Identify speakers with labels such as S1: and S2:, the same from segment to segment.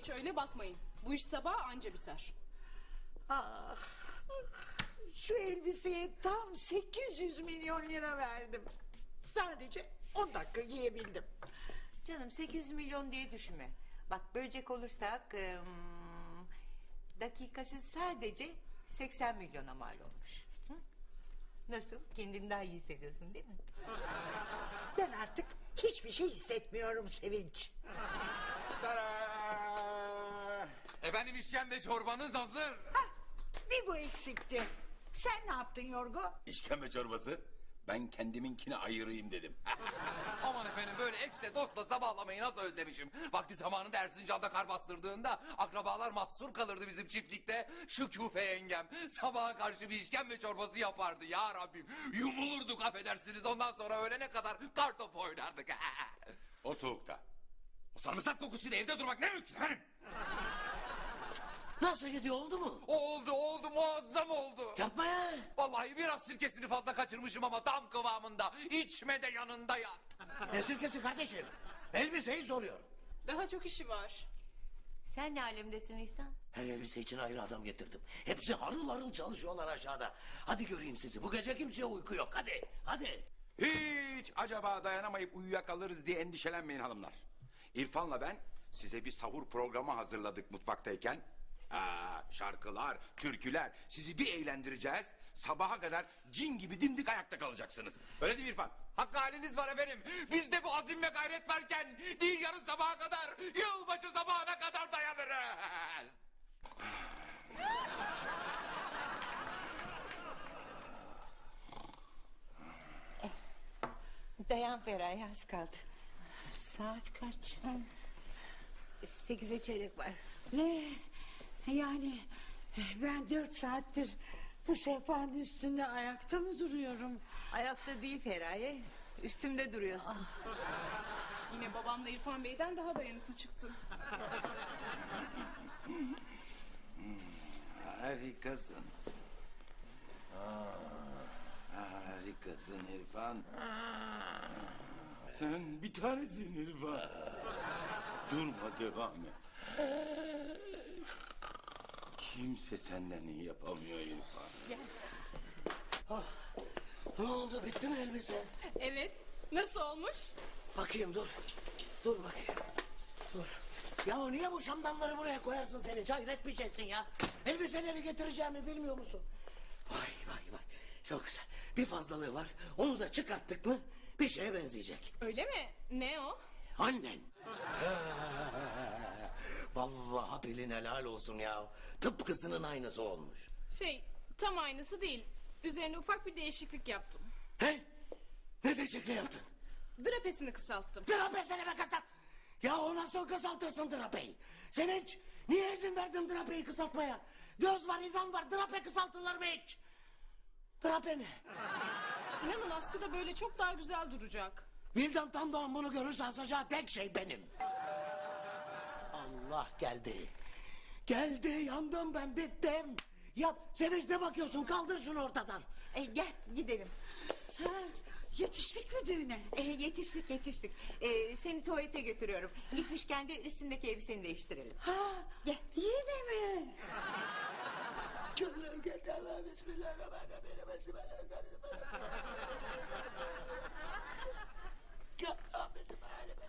S1: hiç öyle bakmayın. Bu iş sabah anca biter.
S2: Ah, şu elbiseye tam 800 milyon lira verdim. Sadece 10 dakika giyebildim.
S3: Canım 800 milyon diye düşünme. Bak bölecek olursak dakikası sadece 80 milyona mal olmuş. Hı? Nasıl? Kendini daha iyi hissediyorsun değil mi?
S2: Ben artık hiçbir şey hissetmiyorum Sevinç.
S4: Tada! Efendim işkembe çorbanız hazır.
S2: Hah, bir bu eksikti. Sen ne yaptın Yorgo?
S4: İşkembe çorbası? Ben kendiminkini ayırayım dedim. Aman efendim böyle eşle dostla sabahlamayı nasıl özlemişim. Vakti zamanında Erzincan'da kar bastırdığında akrabalar mahsur kalırdı bizim çiftlikte. Şu küfe yengem sabaha karşı bir işkembe çorbası yapardı ya Rabbim. Yumulurduk affedersiniz ondan sonra öğlene kadar kartopu oynardık. O soğukta. O sarımsak kokusuyla evde durmak ne mümkün efendim.
S5: Nasıl gidiyor, oldu mu?
S4: Oldu muazzam oldu.
S5: Yapma ya.
S4: Vallahi biraz sirkesini fazla kaçırmışım ama tam kıvamında. İçme de yanında yat.
S5: Ne sirkesi kardeşim? Elbiseyi soruyorum.
S1: Daha çok işi var.
S3: Sen ne alemdesin İhsan?
S5: Her elbise için ayrı adam getirdim. Hepsi harıl harıl çalışıyorlar aşağıda. Hadi göreyim sizi. Bu gece kimseye uyku yok. Hadi.
S4: Hiç acaba dayanamayıp uyuyakalırız diye endişelenmeyin hanımlar. İrfan'la ben size bir sahur programı hazırladık mutfaktayken. Şarkılar, türküler, sizi bir eğlendireceğiz. Sabaha kadar cin gibi dimdik ayakta kalacaksınız. Öyle değil mi İrfan? Hakkı haliniz var efendim. Bizde bu azim ve gayret varken değil yarın sabaha kadar, yılbaşı sabahına kadar dayanırız.
S3: Dayan Feraye az kaldı.
S2: Saat kaç?
S3: 8'e çeyrek var.
S2: Ne? Yani ben 4 saattir bu sehpanın üstünde ayakta mı duruyorum?
S3: Ayakta değil Feraye. Üstümde duruyorsun.
S1: Yine babamla İrfan Bey'den daha dayanıklı çıktın.
S4: Harikasın. Harikasın İrfan. Sen bir tanesin İrfan. Durma devam et. Kimse senden iyi yapamıyor İrfan.
S5: Ne oldu, bitti mi elbise?
S1: Evet. Nasıl olmuş?
S5: Bakayım, dur. Dur bakayım. Dur. Ya niye bu şamdanları buraya koyarsın Sevinç? Hayret bir şeysin ya. Elbiseleri getireceğimi bilmiyor musun? Vay. Çok güzel. Bir fazlalığı var. Onu da çıkarttık mı bir şeye benzeyecek.
S1: Öyle mi? Ne o?
S5: Annen. Vallahi bilin helal olsun ya. Tıpkısının aynısı olmuş.
S1: Tam aynısı değil. Üzerine ufak bir değişiklik yaptım.
S5: He? Ne değişikliği yaptın?
S1: Drapesini kısalttım.
S5: Drapesini mi kısalt? Ya o nasıl kısaltırsın drapeyi? Sevinç, niye izin verdin drapeyi kısaltmaya? Göz var, izan var, drape kısaltılır mı hiç? Drape ne?
S1: İnanın askıda böyle çok daha güzel duracak.
S5: Vildan tam doğan bunu görürse asacağı tek şey benim. Allah geldi. Geldi, yandım ben, bittim. Yap, Sevinç ne bakıyorsun? Kaldır şunu ortadan.
S3: Gel gidelim.
S2: Ha, yetiştik mi düğüne?
S3: Yetiştik. Seni tuvalete götürüyorum. Gitmişken de üstündeki elbiseni değiştirelim.
S2: Ha,
S3: Gel.
S2: yine mi?
S5: Gönlüm geldi Allah, bismillahirrahmanirrahim. Bismillahirrahmanirrahim. Ya Ahmet'im halim.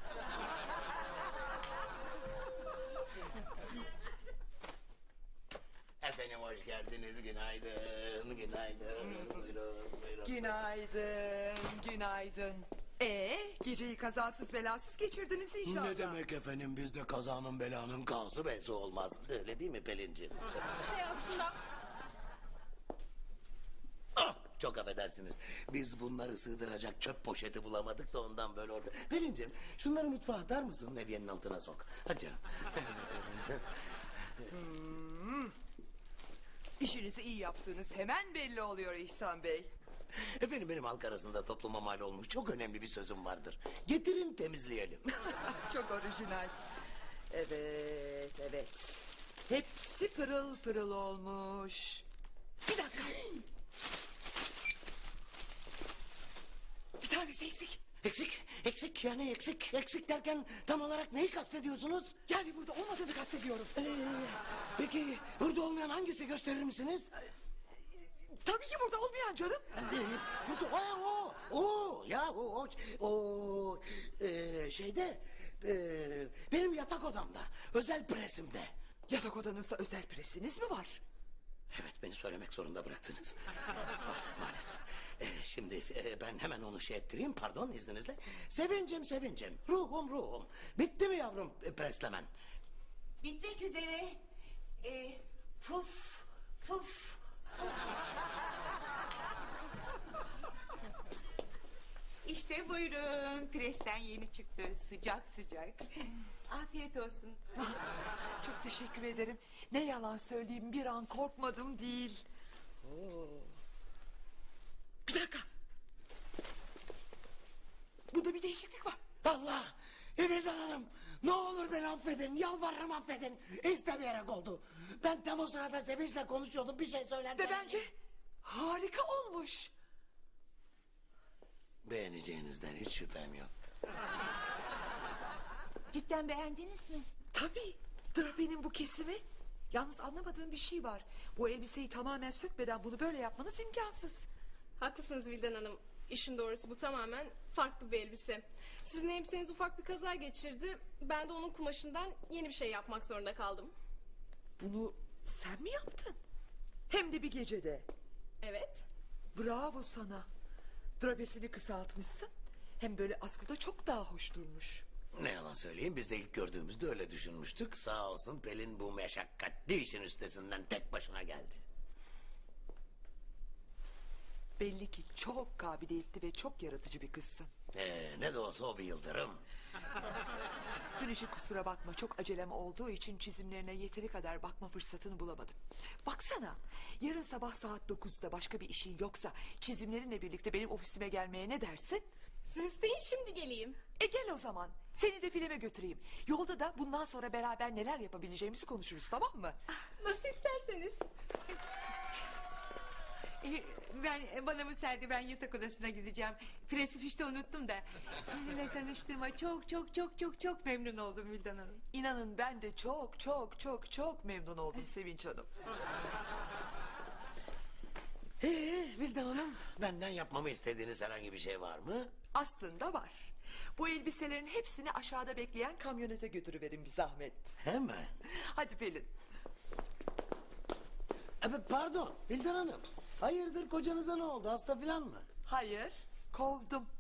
S5: Efendim hoş geldiniz, günaydın. Buyurun.
S6: Günaydın. Geceyi kazasız belasız geçirdiniz inşallah.
S5: Ne demek efendim, bizde kazanın belanın kası besi olmaz. Öyle değil mi Pelinciğim?
S1: Aslında
S5: Çok affedersiniz. Biz bunları sığdıracak çöp poşeti bulamadık da ondan böyle orada. Pelinciğim şunları mutfağa atar mısın? Levyenin altına sok. Hadi canım.
S6: İşinizi iyi yaptığınız hemen belli oluyor İhsan Bey.
S5: Efendim benim halk arasında topluma mal olmuş çok önemli bir sözüm vardır. Getirin temizleyelim.
S6: Çok orijinal. Evet. Hepsi pırıl pırıl olmuş. Bir dakika. Bir tanesi eksik.
S5: Eksik yani eksik derken tam olarak neyi kastediyorsunuz?
S6: Yani burada olmadığını kastediyorum.
S5: Peki burada olmayan hangisi gösterir misiniz?
S6: Tabii ki burada olmayan canım.
S5: Burada şeyde benim yatak odamda özel presimde.
S6: Yatak odanızda özel presiniz mi var?
S5: Evet beni söylemek zorunda bıraktınız. Maalesef. Şimdi ben hemen onu şey ettireyim pardon izninizle. Sevincim ruhum. Bitti mi yavrum preslemen?
S3: Bitmek üzere. Puf. İşte buyurun. Presten yeni çıktı. Sıcak. Afiyet olsun.
S6: Çok teşekkür ederim. Ne yalan söyleyeyim bir an korkmadım değil. Bir dakika. Bunda bir değişiklik var.
S5: Allah! Evelyn Hanım ne olur beni affedin yalvarırım affedin. İstemeyerek oldu. Ben tam o sırada Sevinç'le konuşuyordum bir şey söylendi.
S6: Ve bence harika olmuş.
S5: Beğeneceğinizden hiç şüphem yoktu.
S3: Cidden beğendiniz mi?
S6: Tabii. Drapenin bu kesimi. Yalnız anlamadığım bir şey var. Bu elbiseyi tamamen sökmeden bunu böyle yapmanız imkansız.
S1: Haklısınız Vildan Hanım. İşin doğrusu bu tamamen farklı bir elbise. Sizin elbiseniz ufak bir kaza geçirdi. Ben de onun kumaşından yeni bir şey yapmak zorunda kaldım.
S6: Bunu sen mi yaptın? Hem de bir gecede.
S1: Evet.
S6: Bravo sana. Drapesini kısaltmışsın. Hem böyle askıda çok daha hoş durmuş.
S5: Ne yalan söyleyeyim biz de ilk gördüğümüzde öyle düşünmüştük. Sağ olsun Pelin bu meşakkatli işin üstesinden tek başına geldi.
S6: Belli ki çok kabiliyetli ve çok yaratıcı bir kızsın.
S5: Ne de olsa o bir yıldırım.
S6: Dün için kusura bakma, çok acelem olduğu için çizimlerine yeteri kadar bakma fırsatını bulamadım. Baksana, yarın sabah saat 9'da başka bir işin yoksa çizimlerinle birlikte benim ofisime gelmeye ne dersin?
S1: Siz isteyin şimdi geleyim.
S6: Gel o zaman. Seni de filme götüreyim. Yolda da bundan sonra beraber neler yapabileceğimizi konuşuruz, tamam mı?
S1: Nasıl isterseniz.
S3: Bana müsaade ben yatak odasına gideceğim. Presi fişte unuttum da. Sizinle tanıştığıma çok memnun oldum Vildan Hanım.
S6: İnanın ben de çok memnun oldum Sevinç Hanım.
S5: Vildan Hanım benden yapmamı istediğiniz herhangi bir şey var mı?
S6: Aslında var. Bu elbiselerin hepsini aşağıda bekleyen kamyonete götürüverin bir zahmet.
S5: Hemen.
S6: Hadi Pelin.
S5: Evet pardon Vildan Hanım. Hayırdır kocanıza ne oldu hasta filan mı?
S6: Hayır, kovdum.